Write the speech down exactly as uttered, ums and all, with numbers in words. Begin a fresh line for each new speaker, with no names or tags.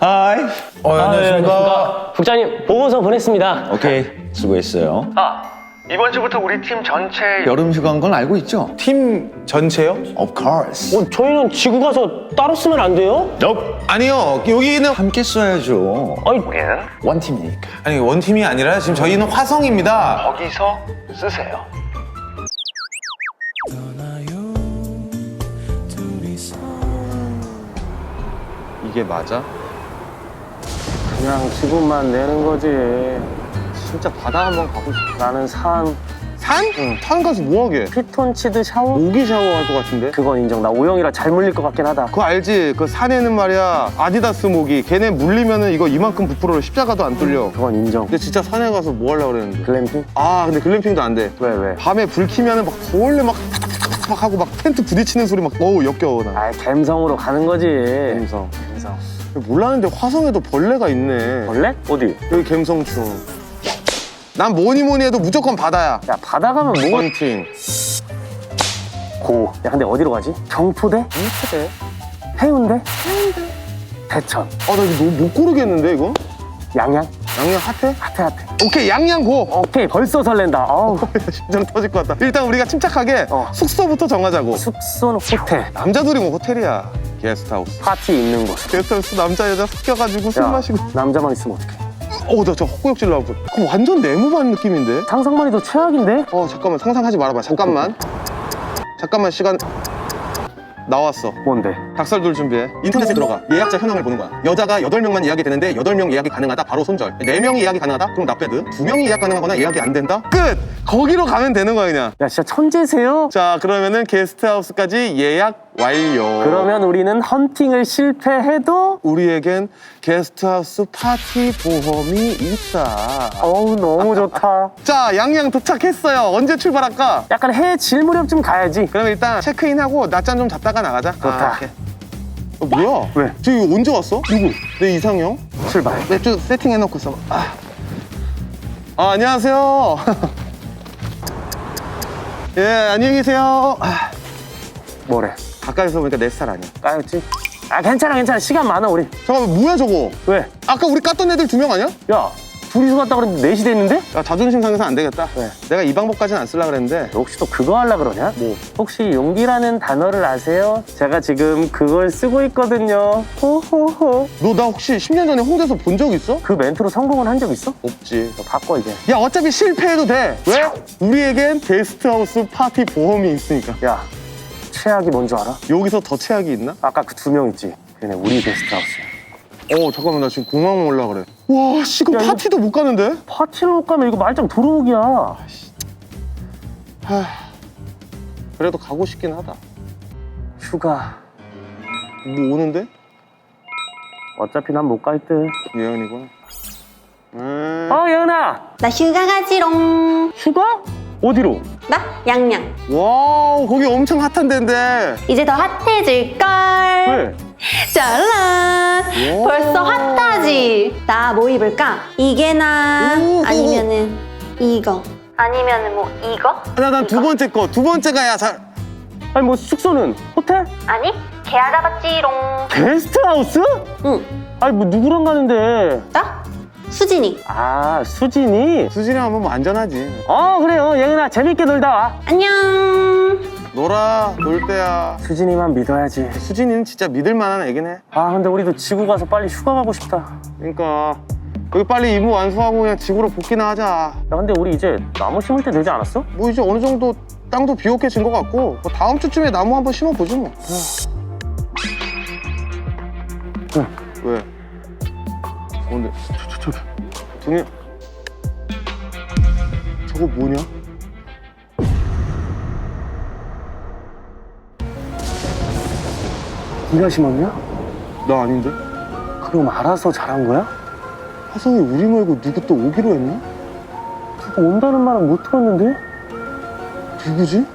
하이.
어, 안녕하십니까.
국장님 보고서 보냈습니다.
오케이, 수고했어요.
아, 이번 주부터 우리 팀 전체
여름 휴가인 건 알고 있죠?
팀 전체요?
Of course.
어, 저희는 지구 가서 따로 쓰면 안 돼요?
Nope.
아니요, 여기는
함께 써야죠.
아니,
우리는
원팀이니까.
아니 원팀이 아니라 지금 저희는 화성입니다.
거기서 쓰세요.
이게 맞아?
그냥 지구만 내는 거지.
진짜 바다 한번 가고 싶어.
나는 산,
산? 응. 산 가서 뭐하게?
피톤치드 샤워?
모기 샤워할 것 같은데?
그건 인정. 나 오영이라 잘 물릴 것 같긴 하다.
그거 알지? 그 산에는 말이야 아디다스 모기 걔네 물리면은 이거 이만큼 부풀어 십자가도 안 뚫려.
그건 인정.
근데 진짜 산에 가서 뭐 하려고 그랬는데.
글램핑?
아 근데 글램핑도 안 돼.
왜, 왜?
밤에 불 켜면은 막 벌레 막 탁탁탁탁 하고 막 텐트 부딪히는 소리 막 어우 역겨워 나.
아, 갬성으로 가는 거지.
갬성.
갬성.
몰랐는데 화성에도 벌레가 있네.
벌레? 어디?
여기 갬성충. 난 뭐니 뭐니 해도 무조건 바다야.
야, 바다 가면 뭐가
원팀.
고. 야, 근데 어디로 가지? 경포대?
무트대.
해운대? 해운대. 대천.
아 나 이거 너무 못 고르겠는데 이거?
양양?
양양 핫해?
핫해, 핫해.
오케이 양양 고.
오케이, 벌써 설렌다. 어우.
심장 터질 것 같다. 일단 우리가 침착하게
어.
숙소부터 정하자고.
숙소는 호텔.
남자들이 뭐 호텔이야. 게스트하우스.
파티 있는 곳.
게스트하우스 남자 여자 섞여가지고 술
야,
마시고.
남자만 있으면 어떡해.
어, 나 저 헛구역질 나오고. 그거 완전 네모반 느낌인데?
상상만 해도 최악인데?
어, 잠깐만 상상하지 말아봐. 잠깐만. 잠깐만 시간. 나왔어.
뭔데?
닭살돌 준비해. 인터넷에 들어가. 예약자 현황을 보는 거야. 여자가 여덟 명만 예약이 되는데 여덟 명 예약이 가능하다. 바로 손절. 네 명이 예약이 가능하다? 그럼 납배드. 두 명이 예약 가능하거나 예약이 안 된다? 끝! 거기로 가면 되는 거야 그냥.
야, 진짜 천재세요?
자, 그러면은 게스트하우스까지 예약 완료.
그러면 우리는 헌팅을 실패해도
우리에겐 게스트하우스 파티 보험이 있다.
어우, 너무 좋다.
자, 양양 도착했어요. 언제 출발할까?
약간 해 질 무렵쯤 가야지.
그러면 일단 체크인하고 낮잠 좀 잤다가 나가자.
좋다.
아, 오케이. 어, 뭐야?
왜?
저기 언제 왔어? 누구? 내 이상형?
출발.
맥주 세팅해놓고 있어. 아, 아 안녕하세요. 예, 안녕히 계세요. 아,
뭐래?
가까이서 보니까 내 스타일 아니야.
까였지? 아, 괜찮아, 괜찮아. 시간 많아, 우리.
잠깐만, 뭐야 저거?
왜?
아까 우리 깠던 애들 두 명 아니야?
야, 둘이서 갔다 그랬는데 넷이 됐는데?
야, 자존심 상해서 안 되겠다.
왜?
내가 이 방법까지는 안 쓰려고 그랬는데.
너 혹시 또 그거 하려 그러냐?
뭐?
혹시 용기라는 단어를 아세요? 제가 지금 그걸 쓰고 있거든요. 호호호.
너 나 혹시 십 년 전에 홍대에서 본 적 있어?
그 멘트로 성공은 한 적 있어?
없지.
너 바꿔, 이제.
야, 어차피 실패해도 돼. 왜? 우리에겐 게스트하우스 파티 보험이 있으니까.
야, 최악이 뭔 줄 알아?
여기서 더 최악이 있나?
아까 그 두 명 있지? 걔네 우리 게스트하우스야.
어, 잠깐만, 나 지금 공항 올라 그래. 와, 씨, 그럼
야, 이거-
파티도 못 가는데?
파티를 못 가면 이거 말짱 도루묵이야.
하, 그래도 가고 싶긴 하다.
휴가.
뭐 오는데?
어차피 난 못 갈 듯.
예언이구나. 음.
어, 예은아!
나 휴가 가지롱.
휴가? 어디로?
나 양양.
와우, 거기 엄청 핫한 데인데.
이제 더 핫해질걸.
왜?
짜란.
오.
벌써 핫하지. 나 뭐 입을까? 이게 나
오.
아니면은 이거. 아니면은 뭐 이거?
나, 난 두 번째 거. 두 번째가 야, 잘.
아니, 뭐 숙소는? 호텔?
아니 개 알아봤지롱.
게스트하우스?
응.
아니, 뭐 누구랑 가는데?
나 수진이.
아, 수진이?
수진이랑 하면 뭐 안전하지.
어, 그래요. 예은아, 재밌게 놀다 와.
안녕.
놀아, 놀 때야.
수진이만 믿어야지.
수진이는 진짜 믿을 만한 애긴 해.
아, 근데 우리도 지구 가서 빨리 휴가 가고 싶다. 야,
그러니까 여기 빨리 임무 완수하고 그냥 지구로 복귀나 하자.
근데 우리 이제 나무 심을 때 되지 않았어?
뭐 이제 어느 정도 땅도 비옥해진 것 같고 뭐 다음 주쯤에 나무 한번 심어보지 뭐.
응.
왜? 어, 근데 저, 저, 저기 동해 저거 뭐냐?
네가 심었냐?
나 아닌데?
그럼 알아서 잘한 거야?
화성에 우리 말고 누구 또 오기로 했나?
누가 온다는 말은 못 들었는데?
누구지?